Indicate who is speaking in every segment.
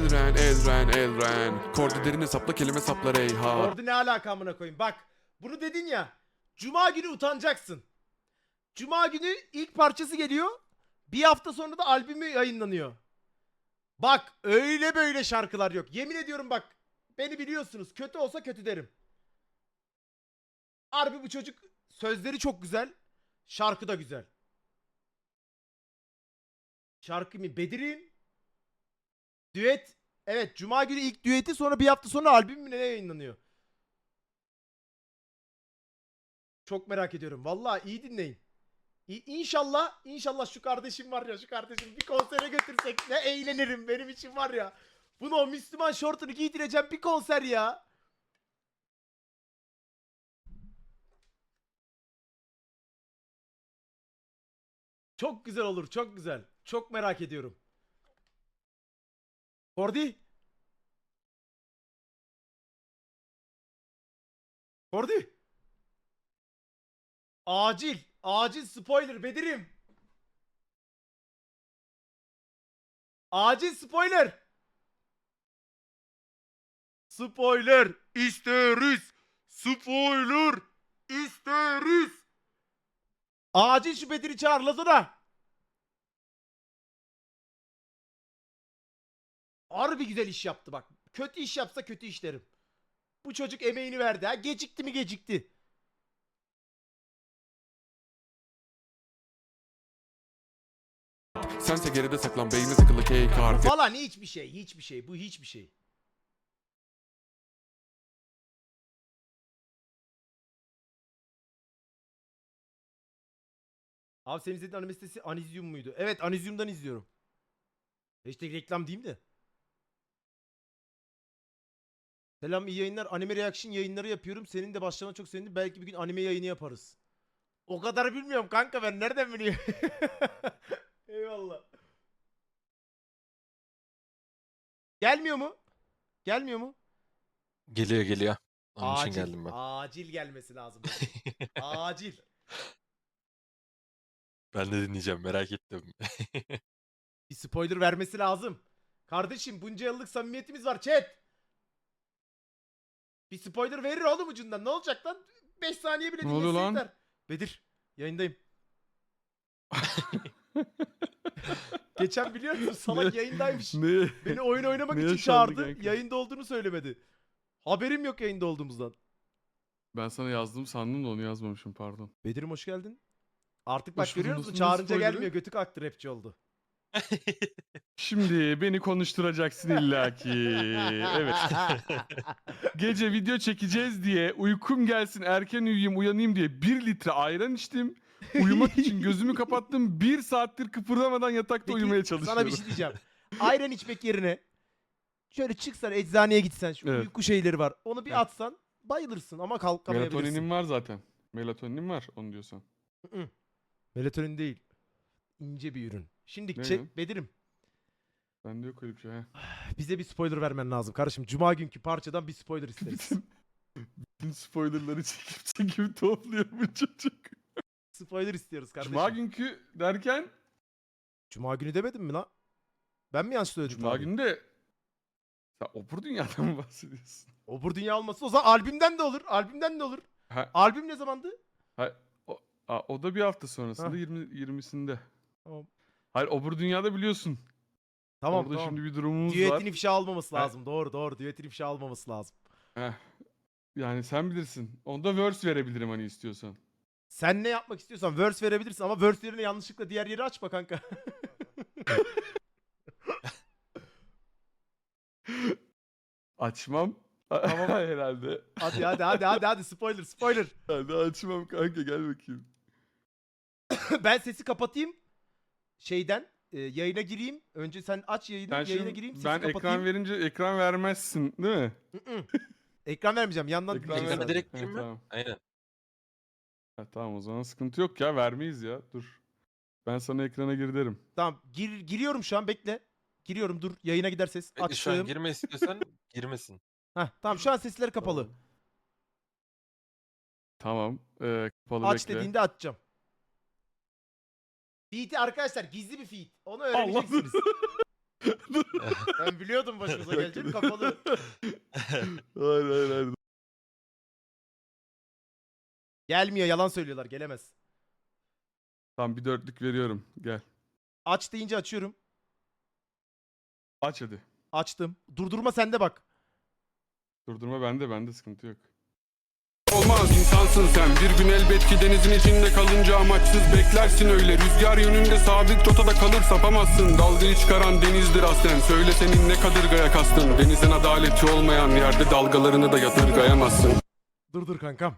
Speaker 1: Elren. Kordi derin hesapla kelime sapla reyha.
Speaker 2: Orada ne alaka amına koyayım. Bak bunu dedin ya. Cuma günü utanacaksın. Cuma günü ilk parçası geliyor. Bir hafta sonra da albümü yayınlanıyor. Bak öyle böyle şarkılar yok. Yemin ediyorum bak. Beni biliyorsunuz. Kötü olsa kötü derim. Harbi bu çocuk sözleri çok güzel. Şarkı da güzel. Şarkı mı? Bedir'in düet. Evet Cuma günü ilk düeti, sonra bir hafta sonra albüm mü ne yayınlanıyor? Çok merak ediyorum. Vallahi iyi dinleyin. İnşallah şu kardeşim var ya, şu kardeşim bir konsere götürsek ne eğlenirim, benim için var ya. Bunu o Müslüman şortunu giydireceğim, bir konser ya. Çok güzel olur, çok güzel. Çok merak ediyorum. Kordi. Kordi. Acil spoiler Bedir'im. Acil spoiler. Spoiler isteriz. Spoiler isteriz. Acil şu Bedir'i çağır Lazona. Harbi güzel iş yaptı bak. Kötü iş yapsa kötü iş derim. Bu çocuk emeğini verdi ha. Gecikti mi gecikti.
Speaker 1: Sense geride saklan beyni tıkılı K-Card.
Speaker 2: Falan hiçbir şey. Bu hiçbir şey. Abi senin izlediğin anime sitesi Anizyum muydu? Evet Anizyum'dan izliyorum. Hashtag reklam diyeyim de. Selam iyi yayınlar. Anime reaction yayınları yapıyorum. Senin de başlamana çok sevindim. Belki bir gün anime yayını yaparız. O kadar bilmiyorum kanka, ben nereden bileyim? Eyvallah. Gelmiyor mu? Gelmiyor mu?
Speaker 3: Geliyor. Onun için
Speaker 2: Acil.
Speaker 3: geldim ben.
Speaker 2: Acil gelmesi lazım. Acil.
Speaker 3: Ben de dinleyeceğim, merak ettim.
Speaker 2: Bir spoiler vermesi lazım. Kardeşim bunca yıllık samimiyetimiz var chat. Bir spoiler verir oğlum ucundan. Ne olacak lan? 5 saniye bile
Speaker 1: Ne oluyor
Speaker 2: dinlese
Speaker 1: lan?
Speaker 2: yeter. Bedir yayındayım. Geçen biliyor musun salak yayındaymış.
Speaker 1: Ne?
Speaker 2: Beni oyun oynamak
Speaker 1: Ne
Speaker 2: için
Speaker 1: yaşandı
Speaker 2: çağırdı.
Speaker 1: kanka?
Speaker 2: Yayında olduğunu söylemedi. Haberim yok yayında olduğumuzdan.
Speaker 1: Ben sana yazdım sandım da onu yazmamışım pardon.
Speaker 2: Bedir'im hoş geldin. Artık bak
Speaker 1: Hoş buldum,
Speaker 2: görüyor musun?
Speaker 1: nasıl
Speaker 2: Çağırınca
Speaker 1: spoiler'ı?
Speaker 2: gelmiyor. Götü kalktı, rapçi oldu.
Speaker 1: Şimdi beni konuşturacaksın illaki. Evet. Gece video çekeceğiz diye uykum gelsin erken uyuyayım uyanayım diye 1 litre ayran içtim. Uyumak için gözümü kapattım. 1 saattir kıpırdamadan yatakta
Speaker 2: Peki,
Speaker 1: uyumaya çalışıyorum.
Speaker 2: sana bir şey diyeceğim. Ayran içmek yerine şöyle çıksan eczaneye gitsen, şu
Speaker 1: Evet.
Speaker 2: uyku şeyleri var. Onu bir
Speaker 1: Evet.
Speaker 2: atsan bayılırsın ama kalkamayabilirsin.
Speaker 1: Melatoninim var zaten. Melatoninim var onu diyorsan.
Speaker 2: Hı-hı. Melatonin değil. İnce bir ürün. Şimdi
Speaker 1: Ne
Speaker 2: çek
Speaker 1: ya?
Speaker 2: Bedir'im.
Speaker 1: Bende yok öyle bir şey. He.
Speaker 2: Bize bir spoiler vermen lazım kardeşim. Cuma günkü parçadan bir spoiler isteriz.
Speaker 1: Bütün spoilerları çekip topluyor bu çocuk.
Speaker 2: Spoiler istiyoruz kardeşim.
Speaker 1: Cuma günkü derken
Speaker 2: Cuma günü demedim mi lan? Ben mi yanlış söyledim?
Speaker 1: Cuma
Speaker 2: abi?
Speaker 1: günü de sen Opur Dünya'dan mı bahsediyorsun?
Speaker 2: Obur Dünya olmasın. O zaman albümden de olur. Albümden de olur.
Speaker 1: Ha,
Speaker 2: Albüm ne zamandı?
Speaker 1: o da bir hafta sonrasında
Speaker 2: Ha.
Speaker 1: 20'sinde.
Speaker 2: Tamam.
Speaker 1: Hayır Opur Dünya'da biliyorsun.
Speaker 2: Tamam
Speaker 1: Orada
Speaker 2: tamam.
Speaker 1: şimdi bir durumumuz
Speaker 2: Düetin
Speaker 1: var.
Speaker 2: ifşa almaması
Speaker 1: Ha.
Speaker 2: lazım. Doğru. Düetin ifşa almaması lazım.
Speaker 1: Heh. Yani sen bilirsin. Onda verse verebilirim hani istiyorsan.
Speaker 2: Sen ne yapmak istiyorsan verse verebilirsin ama verse yerine yanlışlıkla diğer yeri açma kanka.
Speaker 1: Açmam.
Speaker 2: Tamam.
Speaker 1: Herhalde.
Speaker 2: Hadi spoiler.
Speaker 1: Hadi açmam kanka gel bakayım.
Speaker 2: Ben sesi kapatayım. Şeyden yayına gireyim. Önce sen aç yayını.
Speaker 1: Sen
Speaker 2: Yayına
Speaker 1: şimdi
Speaker 2: gireyim. Sesi
Speaker 1: ben
Speaker 2: kapatayım.
Speaker 1: ekran verince ekran vermezsin değil mi?
Speaker 2: Hı-hı. Ekran vermeyeceğim. Yandan
Speaker 1: Ekran
Speaker 2: dinleyeceksin.
Speaker 3: Ekrana direkt
Speaker 1: Ha,
Speaker 3: gireyim mi?
Speaker 1: tamam.
Speaker 3: Aynen.
Speaker 1: Ha, tamam o zaman sıkıntı yok ya vermeyiz ya dur. Ben sana ekrana gir derim.
Speaker 2: Tamam. Giriyorum şu an, bekle. Giriyorum, dur. Yayına gider ses.
Speaker 3: Bekle, şu an
Speaker 2: Açtım.
Speaker 3: girme istiyorsan girmesin.
Speaker 2: Heh, tamam şu an sesleri kapalı.
Speaker 1: Tamam. Kapalı
Speaker 2: Aç
Speaker 1: bekle.
Speaker 2: dediğinde açacağım. Feed'i arkadaşlar gizli bir feed. Onu
Speaker 1: Allah.
Speaker 2: öğreneceksiniz. Ben biliyordum başımıza geleceğini kapalı.
Speaker 1: Hayır hayır.
Speaker 2: Gelmiyor, yalan söylüyorlar, gelemez.
Speaker 1: Tamam bir dörtlük veriyorum. Gel.
Speaker 2: Aç deyince açıyorum.
Speaker 1: Aç hadi.
Speaker 2: Açtım. Durdurma sende bak.
Speaker 1: Durdurma bende sıkıntı yok.
Speaker 4: Olmaz insansın sen. Bir gün elbet ki denizin içinde kalınca amaçsız beklersin öyle. Rüzgar yönünde sabit rotada kalır sapamazsın. Dalgayı çıkaran denizdir aslen. Söyle senin ne kadırgaya kastın. Denizin adaleti olmayan yerde dalgalarını da yadırgayamazsın.
Speaker 2: Dur kankam.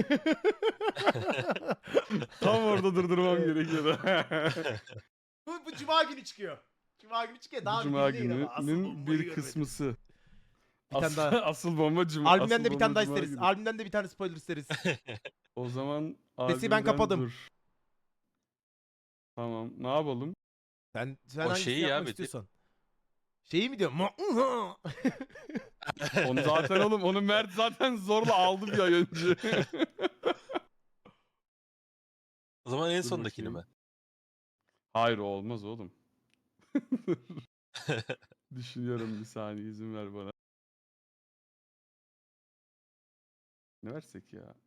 Speaker 1: Tam orada durdurmam gerekiyordu.
Speaker 2: Bu cuma günü çıkıyor. Cuma günü çıkıyor. Daha
Speaker 1: Bu Cuma
Speaker 2: gün değil ama asıl
Speaker 1: gününün
Speaker 2: bombayı
Speaker 1: bir
Speaker 2: görmedim.
Speaker 1: kısmısı.
Speaker 2: Bir tane daha.
Speaker 1: Asıl bomba Cuma.
Speaker 2: Albümden
Speaker 1: asıl
Speaker 2: de bir tane
Speaker 1: bomba
Speaker 2: daha
Speaker 1: Cuma
Speaker 2: isteriz.
Speaker 1: günü.
Speaker 2: Albümden de bir tane spoiler isteriz.
Speaker 1: O zaman
Speaker 2: Sesi ben
Speaker 1: albümden
Speaker 2: kapadım.
Speaker 1: dur. Tamam ne yapalım?
Speaker 2: Sen
Speaker 3: O
Speaker 2: hangisini
Speaker 3: şeyi ya
Speaker 2: yapmak
Speaker 3: Bedir.
Speaker 2: istiyorsan. Şeyi mi diyor?
Speaker 1: Onu zaten oğlum onu Mert zaten zorla aldı bir ay önce.
Speaker 3: O zaman en
Speaker 1: Dur
Speaker 3: sondakini
Speaker 1: bakayım.
Speaker 3: mi?
Speaker 1: Hayır o olmaz oğlum. Düşünüyorum bir saniye izin ver bana. Ne versek ya?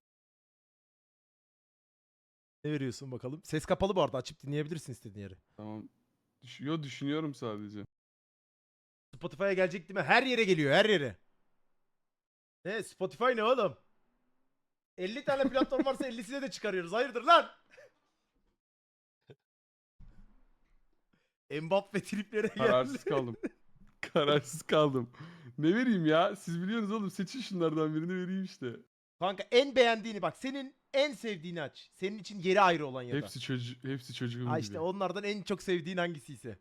Speaker 2: Ne veriyorsun bakalım? Ses kapalı bu arada. Açıp dinleyebilirsin istediğin yeri.
Speaker 1: Tamam. Düşünüyorum sadece.
Speaker 2: Spotify'a gelecek değil mi? Her yere geliyor, her yere. Ne? Spotify ne oğlum? 50 tane platform varsa 50'sine de çıkarıyoruz. Hayırdır lan? Mbappe triplere
Speaker 1: Kararsız
Speaker 2: geldi.
Speaker 1: kaldım. Kararsız kaldım. Ne vereyim ya? Siz biliyorsunuz oğlum. Seçin şunlardan birini vereyim işte.
Speaker 2: Kanka en beğendiğini bak. Senin en sevdiğini aç. Senin için yeri ayrı olan ya da.
Speaker 1: Hepsi çocuğum
Speaker 2: Ha
Speaker 1: gibi.
Speaker 2: işte onlardan en çok sevdiğin hangisiyse.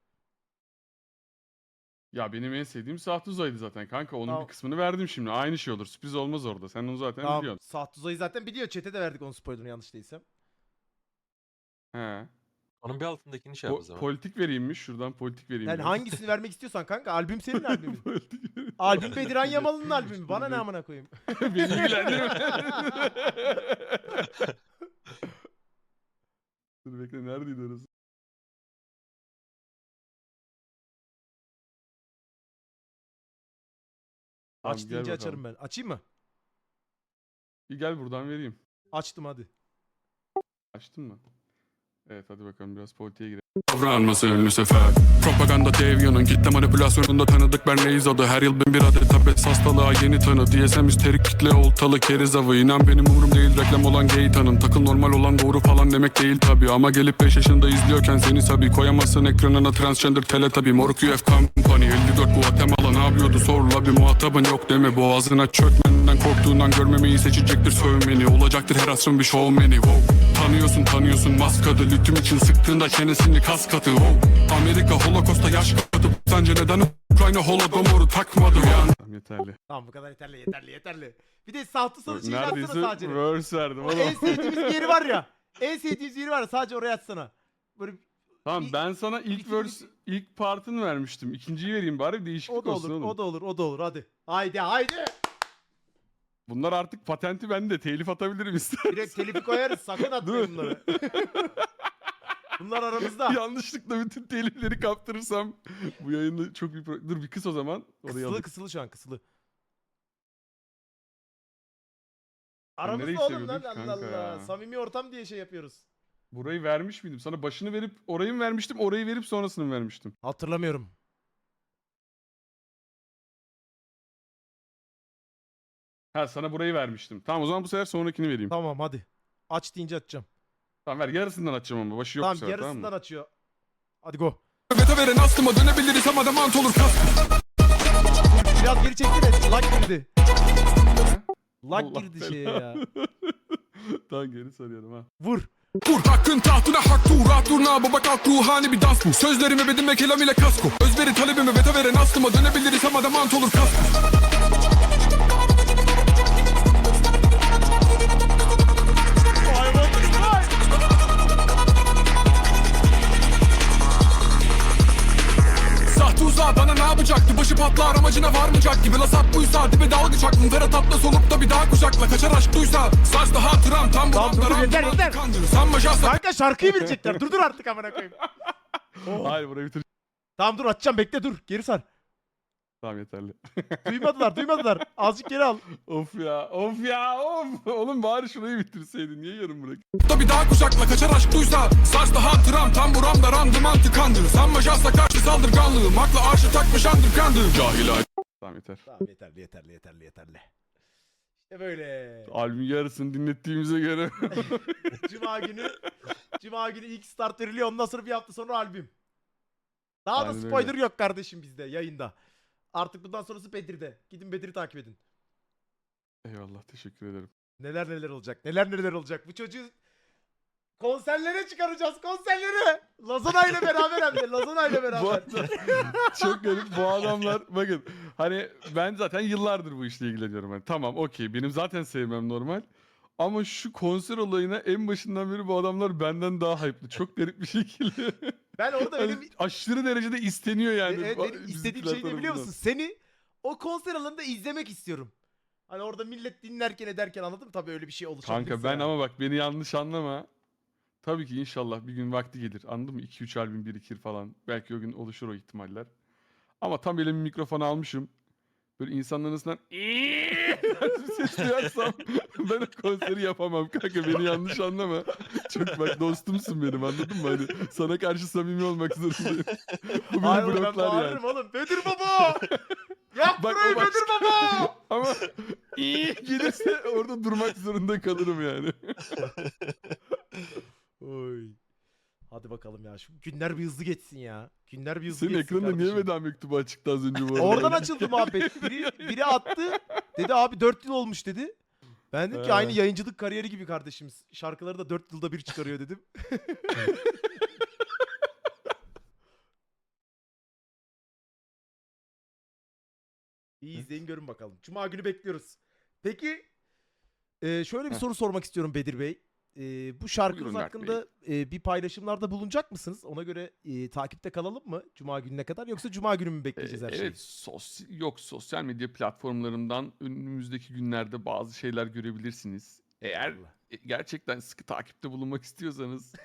Speaker 1: Ya benim en sevdiğim Saht Uzay'dı zaten kanka. Onun
Speaker 2: Tamam.
Speaker 1: bir kısmını verdim şimdi. Aynı şey olur. Sürpriz olmaz orada. Sen onu zaten
Speaker 2: Tamam.
Speaker 1: biliyorsun.
Speaker 2: Saat Tuzay'ı zaten biliyor. Chat'e de verdik onun spoilerını yanlış değilsem.
Speaker 1: He.
Speaker 3: Onun bir altındakini şey yap o zaman.
Speaker 1: Politik vereyimmiş. Şuradan politik vereyim.
Speaker 2: Yani
Speaker 1: biraz.
Speaker 2: hangisini vermek istiyorsan kanka. Albüm senin albümün.
Speaker 1: Politik vereyim.
Speaker 2: Albüm Bediran Yamalı'nın albümü. Bana ne amına koyayım.
Speaker 1: Beni ilgilendirme. Dur bekle neredeydi orası? Tamam,
Speaker 2: Aç
Speaker 1: gel
Speaker 2: deyince
Speaker 1: bakalım.
Speaker 2: açarım ben. Açayım mı?
Speaker 1: Bir gel buradan vereyim.
Speaker 2: Açtım hadi.
Speaker 1: Açtın mı? Evet hadi bakalım biraz politiğe girelim.
Speaker 4: Davranması ünlü sefer. Propaganda dev yanın kitle manipülasyonunda tanıdık ben reis adı. Her yıl bin bir adet tabet hastalığa yeni tanı. DSM üsterik kitle oltalı keriz avı. İnan benim umurum değil reklam olan gay tanım. Takıl normal olan doğru falan demek değil tabi. Ama gelip 5 yaşında izliyorken seni sabi. Koyamazsın ekranına transgender teletabi. Moruk UF Company 54 Guatemala ne yapıyordu sorla bir muhatabın yok deme. Boğazına çökmenden korktuğundan görmemeyi seçecektir sövmeni. Olacaktır her asrın bir showmani. Wow. Tanıyorsun maskadı. Lütüm için sıktığında çenesini kas katı. Wow. Amerika holokosta yaş katı. Sence neden Ukrayna holodomoru takmadı yani?
Speaker 1: Tamam yeterli.
Speaker 2: Tamam bu kadar yeterli. Bir de Sahtı Salı şeyini açsana
Speaker 1: Neredeyse
Speaker 2: sadece.
Speaker 1: verse verdim
Speaker 2: O en
Speaker 1: oğlum.
Speaker 2: sevdiğimiz bir yeri var ya. En sevdiğimiz yeri var ya sadece oraya açsana. Böyle
Speaker 1: Tamam
Speaker 2: bir-
Speaker 1: ben sana ilk
Speaker 2: iki-
Speaker 1: verse, ilk partını vermiştim. İkinciyi vereyim bari bir değişiklik
Speaker 2: o da
Speaker 1: olsun
Speaker 2: olur,
Speaker 1: oğlum.
Speaker 2: o da olur hadi. Haydi.
Speaker 1: Bunlar artık patenti bende. Telif atabilirim istersen.
Speaker 2: Direkt telifi koyarız. Sakın atmayın
Speaker 1: Dur.
Speaker 2: bunları. Bunlar aramızda.
Speaker 1: Yanlışlıkla bütün telifleri kaptırırsam bu yayında çok bir Dur bir kıs o zaman. Orayı alayım.
Speaker 2: Kısılı şu an kısılı.
Speaker 1: nereye
Speaker 2: Aramızda oğlum lan
Speaker 1: seviyordun ki
Speaker 2: Allah
Speaker 1: kanka
Speaker 2: Allah.
Speaker 1: ya?
Speaker 2: Samimi ortam diye şey yapıyoruz.
Speaker 1: Burayı vermiş miydim? Sana başını verip orayı mı vermiştim? Orayı verip sonrasını mı vermiştim?
Speaker 2: Hatırlamıyorum.
Speaker 1: Ha sana burayı vermiştim. Tamam o zaman bu sefer sonrakini vereyim. Tamam,
Speaker 2: Tamam hadi. Aç deyince açacağım.
Speaker 1: ver yarısından açacağım ama başı yok bu
Speaker 2: Tamam
Speaker 1: sefer
Speaker 2: yarısından
Speaker 1: tamam mı?
Speaker 2: açıyor. Hadi go.
Speaker 4: Vete veren aslıma dönebiliriz ama da mant olur kas.
Speaker 2: Biraz geri çekti de lag girdi. Lag
Speaker 1: Allah
Speaker 2: girdi
Speaker 1: belanı.
Speaker 2: şeye ya.
Speaker 1: Tamam geri sarıyorum ha.
Speaker 2: Vur.
Speaker 4: Vur hakkın tahtına hak tu rahat durna baba kalk ruhani bir dans bu. Sözlerime bedime kelam ile kasko. Özveri talebime vete veren aslıma dönebiliriz ama da mant olur kas. Sahtı uzağa bana ne yapacaktı? Başı patlar amacına varmayacak gibi. La sap buysa dibe dalga çaktım. Ferhat atla solup da bir daha kucakla. Kaçar aşk duysa saçta hatıram tam
Speaker 2: Tamam, dur,
Speaker 4: buramda
Speaker 2: yeter, yeter.
Speaker 4: kandırır. Sanma şahsa
Speaker 2: Kanka şarkıyı bilecekler. Dur artık amına koyayım.
Speaker 1: Hayır burayı bitir.
Speaker 2: Tamam dur açacağım bekle dur. Geri sar.
Speaker 1: Tamam yeterli.
Speaker 2: Duymadılar. Azıcık geri al.
Speaker 1: Of ya of. Oğlum bari şurayı bitirseydin. Niye yarım bırak?
Speaker 4: Da bir daha kucakla kaçar aşk duysa. Saç daha hatıram tam buramda randıman tıkandı. Sanma şahsa karşı saldırganlığım. Akla arşı takmış andırkandı. Cahil
Speaker 1: Tamam yeter.
Speaker 2: Tamam yeterli. İşte böyle.
Speaker 1: Albümün yarısını dinlettiğimize göre.
Speaker 2: Cuma günü ilk start veriliyor. Ondan sonra bir hafta sonra albüm. Daha da
Speaker 1: Aynen öyle.
Speaker 2: spoiler yok kardeşim bizde yayında. Artık bundan sonrası Bedir'de. Gidin Bedir'i takip edin.
Speaker 1: Eyvallah teşekkür ederim.
Speaker 2: Neler olacak. Neler olacak. Bu çocuğu konserlere çıkaracağız. Konserlere. Lazana ile beraber hem de. Lazana ile
Speaker 1: Bu
Speaker 2: beraber.
Speaker 1: arada çok garip bu adamlar bakın hani ben zaten yıllardır bu işle ilgileniyorum. Hani tamam okey benim zaten sevmem normal. Ama şu konser olayına en başından beri bu adamlar benden daha hype'lı. Çok garip bir şekilde.
Speaker 2: Ben orada
Speaker 1: Hani
Speaker 2: benim,
Speaker 1: aşırı derecede isteniyor yani.
Speaker 2: benim
Speaker 1: bizim
Speaker 2: istediğim şey ne biliyor
Speaker 1: tarafından.
Speaker 2: musun? Seni o konser alanında izlemek istiyorum. Hani orada millet dinlerken ederken anladın mı? Tabii öyle bir şey oluşabilir.
Speaker 1: Kanka ben ama bak beni yanlış anlama. Tabii ki inşallah bir gün vakti gelir. Anladın mı? 2-3 albüm birikir falan. Belki o gün oluşur o ihtimaller. Ama tam elime mikrofonu almışım. Böyle insanların arasından bir ses duyarsam ben o konseri yapamam kanka beni yanlış anlama. Çok bak dostumsun benim anladın mı? Hani sana karşı samimi olmak zorundayım. Bu beni
Speaker 2: Hayır oğlum, ben
Speaker 1: bloklar yani.
Speaker 2: bağırırım oğlum. Bedir baba! Yak
Speaker 1: Bak,
Speaker 2: burayı
Speaker 1: o başka.
Speaker 2: Bedir baba!
Speaker 1: Ama gelirse orada durmak zorunda kalırım yani.
Speaker 2: Oy. Hadi bakalım ya. Şu günler bir hızlı geçsin ya. Günler bir hızlı
Speaker 1: Senin
Speaker 2: geçsin
Speaker 1: ekranda niye
Speaker 2: kardeşim.
Speaker 1: veda mektubu açıktı az önce bu arada?
Speaker 2: Oradan açıldı muhabbet. Biri attı. Dedi abi 4 yıl olmuş dedi. Ben dedim ki
Speaker 1: He.
Speaker 2: aynı yayıncılık kariyeri gibi kardeşimiz. Şarkıları da 4 yılda bir çıkarıyor dedim. İyi izleyin görün bakalım. Cuma günü bekliyoruz. Peki şöyle bir
Speaker 1: Heh.
Speaker 2: soru sormak istiyorum Bedir Bey. Bu şarkınız
Speaker 1: Buyurun Berk
Speaker 2: hakkında bir paylaşımlarda bulunacak mısınız? Ona göre takipte kalalım mı Cuma gününe kadar yoksa Cuma günü mü bekleyeceğiz her şeyi?
Speaker 1: Evet, sosyal medya platformlarından önümüzdeki günlerde bazı şeyler görebilirsiniz. Eğer
Speaker 2: Eyvallah.
Speaker 1: gerçekten sıkı takipte bulunmak istiyorsanız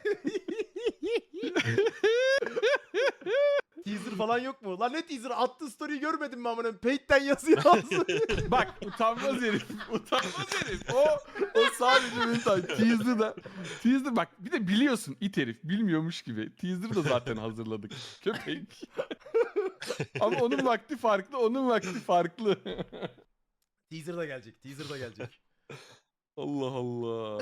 Speaker 2: Teaser falan yok mu? Lan ne teaser? Attığı story'i görmedin mi amına? Paid'den yazı yazdı.
Speaker 1: bak utanmaz herif. O sadece benim teaser bak bir de biliyorsun it herif bilmiyormuş gibi. Teaser da zaten hazırladık. Köpek. Ama onun vakti farklı.
Speaker 2: Teaser da gelecek.
Speaker 1: Allah Allah.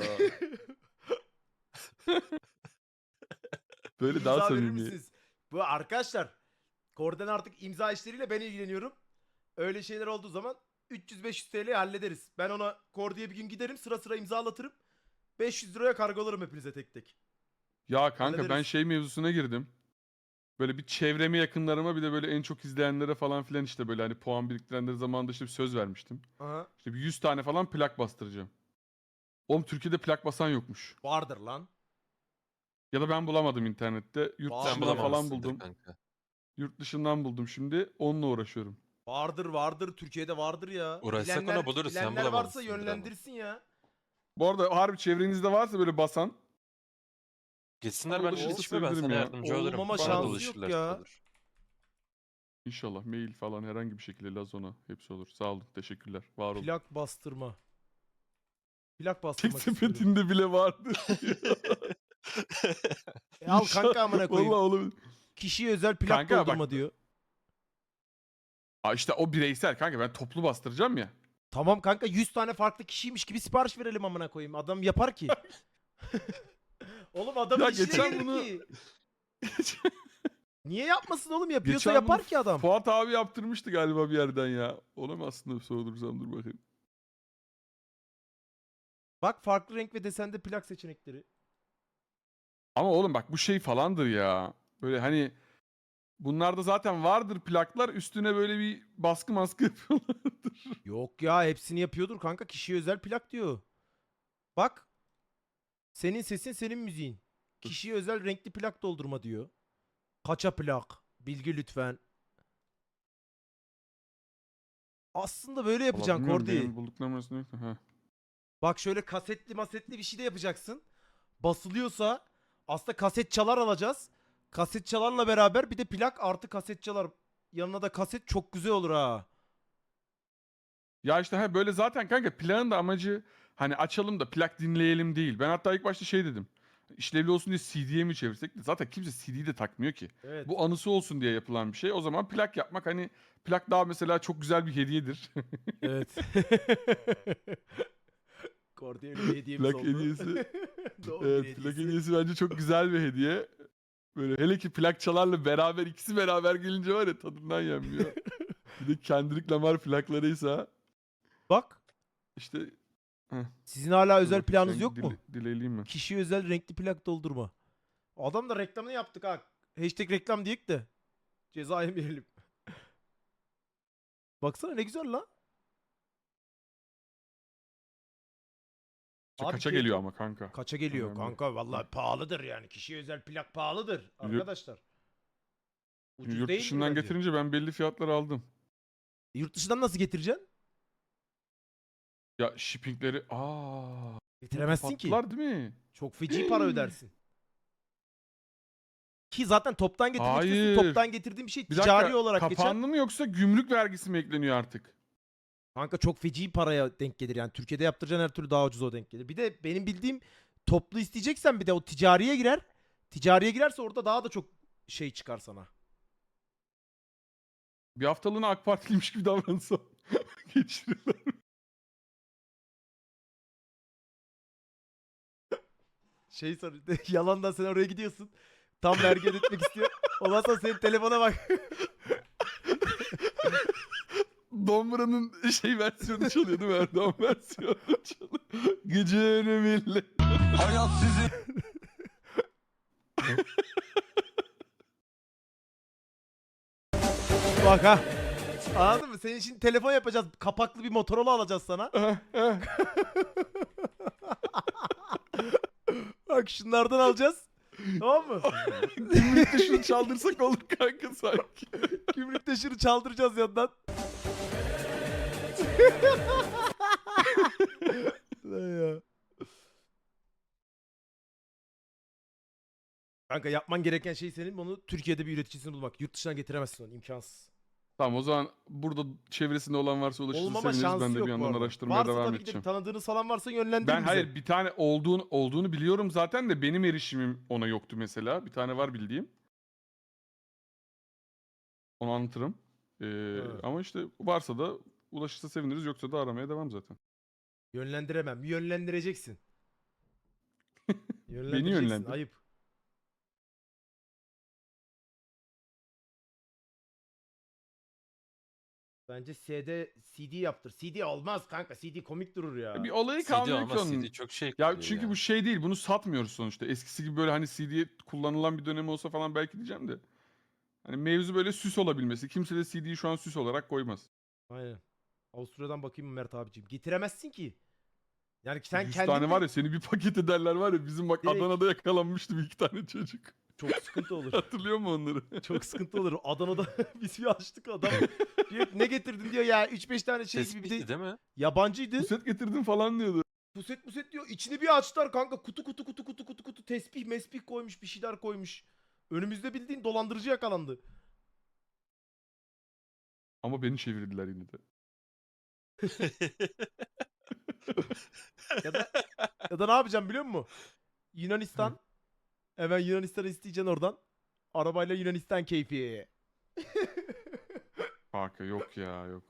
Speaker 1: Böyle daha
Speaker 2: İmza verir
Speaker 1: samimi.
Speaker 2: misiniz? Bu arkadaşlar Korden artık imza işleriyle ben ilgileniyorum. Öyle şeyler olduğu zaman 300-500 TL hallederiz. Ben ona Kordi'ye bir gün giderim sıra imzalatırım. 500 liraya kargolarım hepinize tek tek.
Speaker 1: Ya kanka ben
Speaker 2: Hallederiz.
Speaker 1: şey mevzusuna girdim. Böyle bir çevreme yakınlarıma bir de böyle en çok izleyenlere falan filan işte böyle hani puan biriktirenlere zamanında işte bir söz vermiştim.
Speaker 2: Aha.
Speaker 1: İşte bir 100 tane falan plak bastıracağım. Oğlum Türkiye'de plak basan yokmuş.
Speaker 2: Vardır lan.
Speaker 1: Ya da ben bulamadım internette. Yurt
Speaker 2: Sen
Speaker 3: Sen
Speaker 1: dışında falan
Speaker 3: bulamazsındır
Speaker 1: buldum.
Speaker 3: kanka.
Speaker 1: Yurt dışından buldum şimdi. Onunla uğraşıyorum.
Speaker 2: Vardır. Türkiye'de vardır ya.
Speaker 3: Uğraşsak ona buluruz, sen
Speaker 2: bilenler varsa
Speaker 3: bulamamışsındır ama.
Speaker 2: yönlendirsin ya.
Speaker 1: Bu arada harbi çevrenizde varsa böyle basan.
Speaker 3: Geçsinler
Speaker 1: Ama
Speaker 3: ben
Speaker 1: ulaşırsa
Speaker 3: çalışmaya ben
Speaker 1: sevinirim
Speaker 3: sana
Speaker 1: ya.
Speaker 3: yardımcı olurum.
Speaker 2: Olmama
Speaker 3: Bana da
Speaker 2: şansı yok
Speaker 3: ulaşırlar,
Speaker 2: ya.
Speaker 3: olur.
Speaker 1: İnşallah mail falan herhangi bir şekilde Lazona hepsi olur. Sağ olun. Teşekkürler. Var olun.
Speaker 2: Plak bastırma. Plak
Speaker 1: Tek
Speaker 2: bastırmak istiyorum.
Speaker 1: sepetinde bile vardı.
Speaker 2: Al kanka amına koyayım.
Speaker 1: Vallahi oğlum.
Speaker 2: Kişiye özel plak
Speaker 1: Kanka bak-
Speaker 2: doldurma diyor.
Speaker 1: Aa işte o bireysel kanka ben toplu bastıracağım ya.
Speaker 2: Tamam kanka 100 tane farklı kişiymiş gibi sipariş verelim amına koyayım. Adam yapar ki. Oğlum adamın
Speaker 1: Ya
Speaker 2: işine
Speaker 1: geçen
Speaker 2: gelir
Speaker 1: bunu-
Speaker 2: ki. Niye yapmasın oğlum? Yapıyorsa
Speaker 1: Geçen
Speaker 2: yapar
Speaker 1: bunu
Speaker 2: ki adam.
Speaker 1: Fuat abi yaptırmıştı galiba bir yerden ya. Ona mı aslında sordursam dur bakayım.
Speaker 2: Bak farklı renk ve desende plak seçenekleri.
Speaker 1: Ama oğlum bak bu şey falandır ya. Böyle hani bunlarda zaten vardır plaklar üstüne böyle bir baskı maskı yapıyorlardır.
Speaker 2: Yok ya hepsini yapıyordur kanka. Kişiye özel plak diyor. Bak. Senin sesin senin müziğin. Kişiye özel renkli plak doldurma diyor. Kaça plak? Bilgi lütfen. Aslında böyle yapacaksın
Speaker 1: Vallahi bilmiyorum,
Speaker 2: Kordi.
Speaker 1: benim bulduklarım arasında yok da, ha.
Speaker 2: Bak şöyle kasetli masetli bir şey de yapacaksın. Basılıyorsa aslında kaset çalar alacağız. Kaset çalarla beraber bir de plak artı kaset çalar. Yanına da kaset çok güzel olur ha.
Speaker 1: Ya işte böyle zaten kanka plağın da amacı hani açalım da plak dinleyelim değil. Ben hatta ilk başta şey dedim. İşlevli olsun diye CD'ye mi çevirsek? Zaten kimse CD'yi de takmıyor ki.
Speaker 2: Evet.
Speaker 1: Bu anısı olsun diye yapılan bir şey. O zaman plak yapmak hani plak daha mesela çok güzel bir hediyedir.
Speaker 2: Evet. Kordiye bir hediyemiz
Speaker 1: Plak
Speaker 2: oldu.
Speaker 1: hediyesi.
Speaker 2: Doğum günü
Speaker 1: Evet, plak hediyesi bence çok güzel bir hediye. Böyle hele ki plak çalarla beraber ikisi beraber gelince var ya tadından yenmiyor. Bir de Kendrick Lamar plaklarıysa
Speaker 2: Bak,
Speaker 1: işte heh,
Speaker 2: sizin hala
Speaker 1: dur
Speaker 2: özel
Speaker 1: bakayım,
Speaker 2: planınız
Speaker 1: sen
Speaker 2: yok mu?
Speaker 1: dileleyeyim mi?
Speaker 2: Kişi özel renkli plak doldurma. Adam da reklamını yaptık ha. Hashtag reklam diyek de. Ceza yemeyelim. Baksana ne güzel la.
Speaker 1: İşte
Speaker 2: Abi
Speaker 1: kaça
Speaker 2: keyif-
Speaker 1: geliyor ama kanka.
Speaker 2: Kaça geliyor
Speaker 1: Önemli.
Speaker 2: kanka? Vallahi pahalıdır yani. Kişiye özel plak pahalıdır arkadaşlar. Ucuz
Speaker 1: Yurt
Speaker 2: değil
Speaker 1: dışından
Speaker 2: bence?
Speaker 1: getirince ben belli fiyatlar aldım.
Speaker 2: Yurt dışından nasıl getireceksin?
Speaker 1: Ya shippingleri
Speaker 2: Getiremezsin ki.
Speaker 1: kapattılar değil mi?
Speaker 2: Çok feci para ödersin. Ki zaten toptan getirmek istiyorsun.
Speaker 1: Hayır.
Speaker 2: Toptan getirdiğin bir şey
Speaker 1: Bir
Speaker 2: ticari
Speaker 1: dakika,
Speaker 2: olarak geçer.
Speaker 1: kapandı mı yoksa gümrük vergisi mi ekleniyor artık?
Speaker 2: Kanka çok feci paraya denk gelir yani. Türkiye'de yaptıracağın her türlü daha ucuz o denk gelir. Bir de benim bildiğim toplu isteyeceksen bir de o ticariye girer. Ticariye girerse orada daha da çok şey çıkar sana.
Speaker 1: Bir haftalığına AK Partiliymiş gibi davransam geçirirler.
Speaker 2: Şey sor yalandan sen oraya gidiyorsun. Tam vergi ödetmek istiyor. Ondan sonra senin telefona bak.
Speaker 1: Dombra'nın şey versiyonu çalıyor değil mi? Erdoğan versiyonu çalıyor. Geceleri millet.
Speaker 3: Hayat sizi
Speaker 2: Bak ha. Anladın mı? Senin için telefon yapacağız. Kapaklı bir Motorola alacağız sana. Bak şunlardan alacağız. Tamam mı?
Speaker 1: Gümrükte şunu çaldırsak olur kanka sanki.
Speaker 2: Gümrük taşırı çaldıracağız yandan. Lan ya. Kanka yapman gereken şey senin onu Türkiye'de bir üreticisini bulmak. Yurt dışından getiremezsin onu imkansız.
Speaker 1: Tamam o zaman burada çevresinde olan varsa ulaşırsa
Speaker 2: Olmama
Speaker 1: seviniriz.
Speaker 2: şansı
Speaker 1: Ben de
Speaker 2: yok
Speaker 1: bir
Speaker 2: bu
Speaker 1: yandan
Speaker 2: arada.
Speaker 1: araştırmaya
Speaker 2: Varsa
Speaker 1: devam
Speaker 2: tabii ki de
Speaker 1: edeceğim.
Speaker 2: tanıdığınız falan varsa yönlendirin
Speaker 1: Ben
Speaker 2: bize.
Speaker 1: hayır bir tane olduğunu biliyorum zaten de benim erişimim ona yoktu mesela. Bir tane var bildiğim. Onu anlatırım.
Speaker 2: Evet.
Speaker 1: Ama işte varsa da ulaşırsa seviniriz yoksa da aramaya devam zaten.
Speaker 2: Yönlendiremem. Yönlendireceksin.
Speaker 1: Beni yönlendir.
Speaker 2: Ayıp. Bence CD yaptır. CD olmaz kanka. CD komik durur ya.
Speaker 1: Bir olayı
Speaker 3: CD
Speaker 1: kalmıyor ki
Speaker 3: ama
Speaker 1: onun.
Speaker 3: CD çok şey
Speaker 1: Ya
Speaker 3: kalıyor
Speaker 1: çünkü
Speaker 3: ya.
Speaker 1: bu şey değil. Bunu satmıyoruz sonuçta. Eskisi gibi böyle hani CD kullanılan bir dönem olsa falan belki diyeceğim de. Hani mevzu böyle süs olabilmesi. Kimse de CD'yi şu an süs olarak koymaz.
Speaker 2: Aynen. Avusturya'dan bakayım mı Mert abiciğim? Getiremezsin ki. Yani sen
Speaker 1: 100
Speaker 2: kendin
Speaker 1: tane
Speaker 2: de
Speaker 1: var ya seni bir paket ederler var ya. Bizim bak
Speaker 2: Direkt.
Speaker 1: Adana'da yakalanmıştı bir iki tane çocuk.
Speaker 2: çok sıkıntı olur.
Speaker 1: Hatırlıyor musun onları?
Speaker 2: Çok sıkıntı olur. Adana'da biz bir açtık adam. Diyor ki, ne getirdin diyor ya 3-5 tane şey gibi bir de
Speaker 3: Tespitti değil mi?
Speaker 2: yabancıydı.
Speaker 1: Puset getirdim falan diyordu.
Speaker 2: Puset diyor. İçini bir açtılar kanka. Kutu tespih mespih koymuş bir şeyler koymuş. Önümüzde bildiğin dolandırıcı yakalandı.
Speaker 1: Ama beni çevirdiler yine de.
Speaker 2: Ya da ne yapacağım biliyor musun? Yunanistan. Hemen Yunanistan'ı isteyeceksin oradan. Arabayla Yunanistan keyfi.
Speaker 1: Kanka yok ya yok.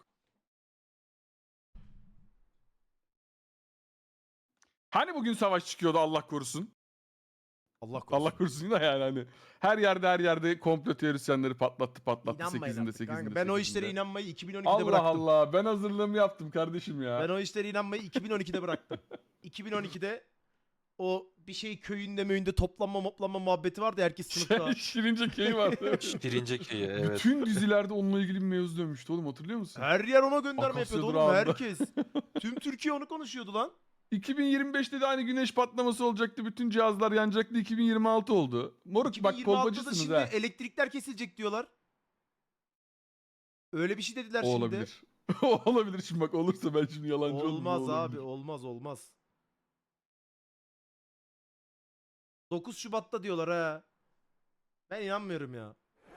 Speaker 1: Hani bugün savaş çıkıyordu Allah korusun.
Speaker 2: Allah korusun.
Speaker 1: Allah korusun da yani hani. Her yerde komplo teorisyenleri patlattı.
Speaker 2: İnanmayın
Speaker 1: 8'inde
Speaker 2: artık
Speaker 1: 8'inde
Speaker 2: kanka. Ben o
Speaker 1: 8'inde.
Speaker 2: işlere inanmayı 2012'de
Speaker 1: Allah
Speaker 2: bıraktım.
Speaker 1: Allah ben hazırlığımı yaptım kardeşim ya.
Speaker 2: Ben o işlere inanmayı 2012'de bıraktım. 2012'de o bir şey köyünde möyünde toplanma muhabbeti vardı ya, herkes sınıfta.
Speaker 1: Şirince Key vardı.
Speaker 3: Birinci köyü evet.
Speaker 1: Bütün dizilerde onunla ilgili bir mevzu dönmüştü oğlum hatırlıyor musun?
Speaker 2: Her yer ona gönderme
Speaker 1: Akasya
Speaker 2: yapıyordu oğlum,
Speaker 1: durağında.
Speaker 2: herkes. Tüm Türkiye onu konuşuyordu lan.
Speaker 1: 2025'te de aynı güneş patlaması olacaktı. Bütün cihazlar yanacaktı. 2026 oldu. Moruk bak
Speaker 2: 2026'da da
Speaker 1: kolpacısınız
Speaker 2: şimdi
Speaker 1: ha.
Speaker 2: elektrikler kesilecek diyorlar. Öyle bir şey dediler
Speaker 1: O
Speaker 2: şimdi.
Speaker 1: olabilir. O olabilir şimdi bak olursa ben şimdi yalancı olurum.
Speaker 2: Olmaz
Speaker 1: o
Speaker 2: abi,
Speaker 1: olabilir.
Speaker 2: olmaz. 9 Şubat'ta diyorlar ha. Ben inanmıyorum ya.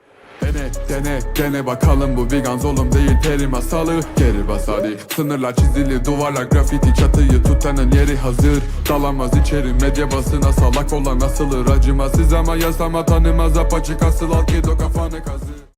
Speaker 4: Dene bakalım bu vegan oğlum değil peri masalı. Geri bas hadi. Sınırlar çizili, duvarlar grafiti, çatıyı tutanın yeri hazır. Dalamaz içeri, medya basına salak olan asılır. Acımasız ama yasama tanımaz, apaçık asıl al ki do kafanı kazı.